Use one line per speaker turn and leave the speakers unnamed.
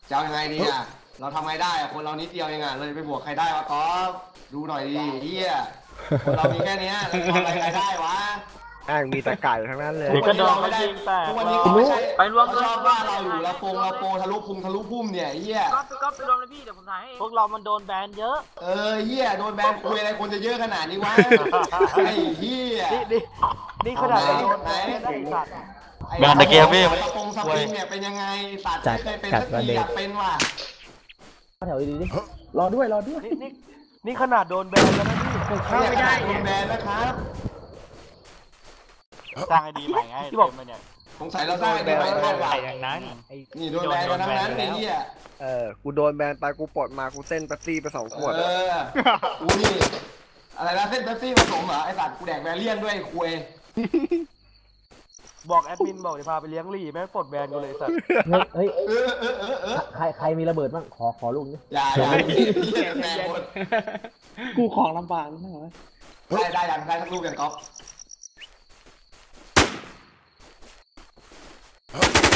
จะเอายังไงดีอ่ะเราทำไงได้อ่ะคนเรานิดเดียวเองอ่ะเลยไปบวกใครได้วะก๊อฟดูหน่อยดิเฮียคนเรามีแค่นี้เราทำอะไรใครได้วะ
มีแต่ไก่ทั้งนั้นเลย
เดี๋ยวก็โดนเขายิงแตก
ทุกวันนี้เขาไม่ใช่
ไปรวม
เขาชอบว่าเราอยู่เราโปทะลุพุงทะลุพุ่มเนี่ยเฮีย
ก็ไปรวมเลยพี่เดี๋ยวผมถ่ายให้พวกเรามันโดนแบนเยอะ
เฮียโดนแบนคุยอะไรคนจะเยอะขนาดนี้วะไอ้เฮีย
นี่ขนาดโดนแบนได้สัตว์
แบนตะเกียบพี่
สปงสปริงเนี่ยเป็นยังไงสัตว์ไม่เคยเป็นสักทีอยากเป็นว่ะ
แถวดีดิรอด้วย
นี่ขนาดโดนแบนแล้วนะพี่
เข้าไม่ได้โดนแบนนะครับ
สร้างไอดีใหม่ไงที่บอกมาเนี่ย
สงสัยเราสร้างได้ไหมคาดหวัง
อย่างนั้น
นี่โดนแบนกันทั้งนั้นไอ้เหี้ย
กูโดนแบนไปกูปลดมากูเส้นเป๊ปซี่ไป2 ขวด
กูนี่อะไรนะเส้นเป๊ปซี่ผสมเหรอไอสัตว์กูแดกแบเลียนด้วยไอ้คุย
บอกแอดมินบอกเดี๋ยวพาไปเลี้ยงลี่แม่งปลดแบนกูเลยสัตว์
เฮ้ยใครมีระเบิดบ้างขอลูกนี่
อย่าเหี้ยแบนหมด
กูของลำบากนะเหรอ
ได้ยังได้ทั้งลูกยังก๊อฟ